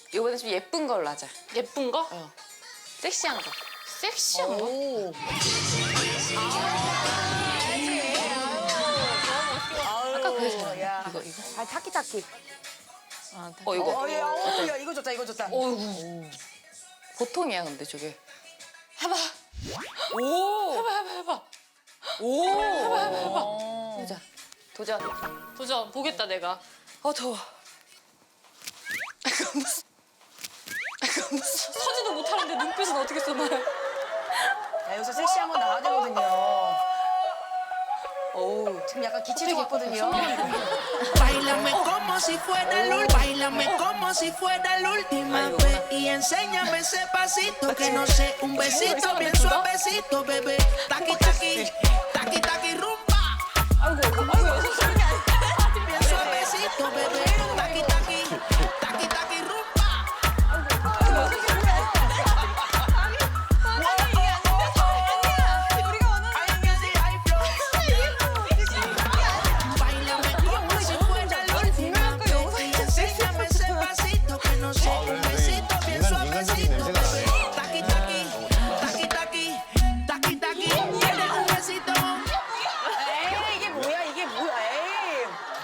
이번에 좀 예쁜 걸로 하자. 예쁜 거? 섹시한 거. 섹시한 거? 아까 그게 잘했네. 야. 이거. 아, 타키타키. 이거. 야, 이거 좋다, 이거 좋다. 보통이야 근데 저게. 해봐. 해봐. 보자. 도전. 도전 보겠다 내가. 더워. 서지도 못하는데 눈빛은 어떻게 쏘나요? 야, 여기서 섹시한 건 나와야 되거든요. 지금 약간 기치도 왔거든요. Báilame como si fuera la Báilame como si fuera la última vez y enséñame ese pasito que no sé, un besito bien suavecito, bebé. Taqui taqui, taqui taqui rumba. Bien suavecito, bebé. Taqui taqui, taqui taqui rumba. Báilame como si fuera la última vez y enséñame ese pasito que no sé, un besito bien suavecito, bebé. Taqui taqui, taqui taqui, taqui taqui. ¿Quieres un besito? 에이, 이게 뭐야, 이게 뭐야, 에이.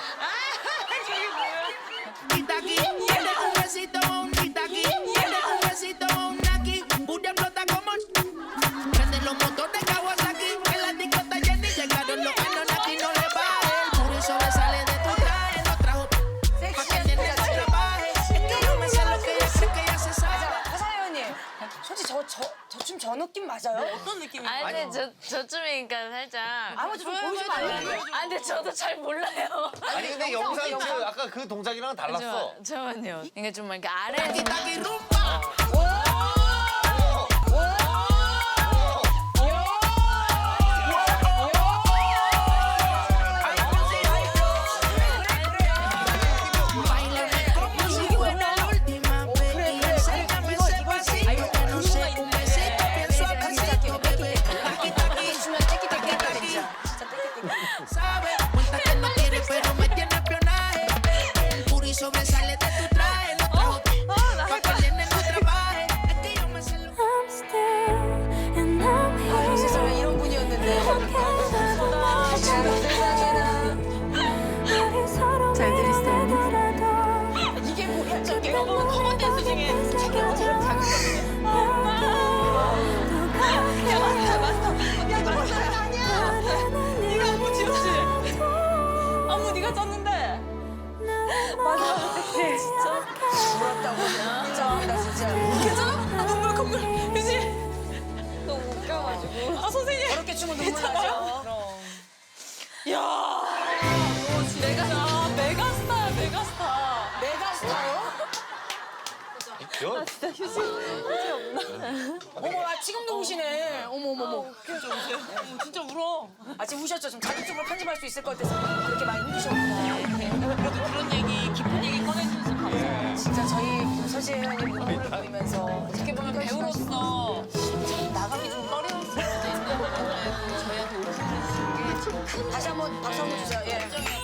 Titaki, ¿quieres un besito? Titaki, ¿quieres un besito? Naki, Buria explota como prende los motores Kawasaki. En la discota Jenny llegaron los Anunnaki, no le baje. El puri sobresale de tu traje, lo trajo pa' que el nene se trabaje. Es que yo me sé lo que ella sé que ella se sabe. 하사 회원님, 솔직히 저 느낌 맞아요? 어떤 느낌이야? 아니 저쯤이니까 살짝. 아버지 좀 보여주면 안 돼요? 아 근데 저도 잘 몰라요. 아니 근데 영상 그 아까 그 동작이랑은 달랐어. 잠깐만요. 이게 좀 이렇게 아래. Taqui taqui rumba. Báilame como si fuera la última vez y enséñame ese pasito que no sé, un besito bien suavecito, bebé. Taqui taqui, taqui taqui. Sabe, cuenta que no quiere pero me tiene espionaje. El puri sobresale de tu traje, lo trajo pa' que el nene no trabaje. Es que yo me sé lo I'm still and I'm 아유, here. 세상에 이런 분이었는데. 잘 들으시더라도 이게 뭐야, 저게. 이거 보면 커먼 댄스 중에 네가 안무 지었지? 안무 네가 짰는데. 부럽다고. 인정합니다, 진짜. 괜찮아? 눈물 콧물. 그지? 너무 웃겨가지고. 아 선생님. 저렇게 추면 눈물 나죠. 야. 메가스타, 메가스타야 메가스타. 메가스타요? 어머, 아, 지금도 우시네. 어머. 진짜 울어. 아, 지금 우셨죠? 좀 자극적으로 편집할 수 있을 것 같아서 그렇게 많이 힘드셨구나. 그래도 그런 얘기, 깊은 얘기 꺼내주셔서 감사해요. 진짜 저희 서지 회원님 눈물을 보이면서 어떻게 보면 배우로서 나가기 좀 꺼려울 수도 있는 부분을 저희한테 오픈해 주신 게 큰 다시 한번 박수 한번 주세요. 예.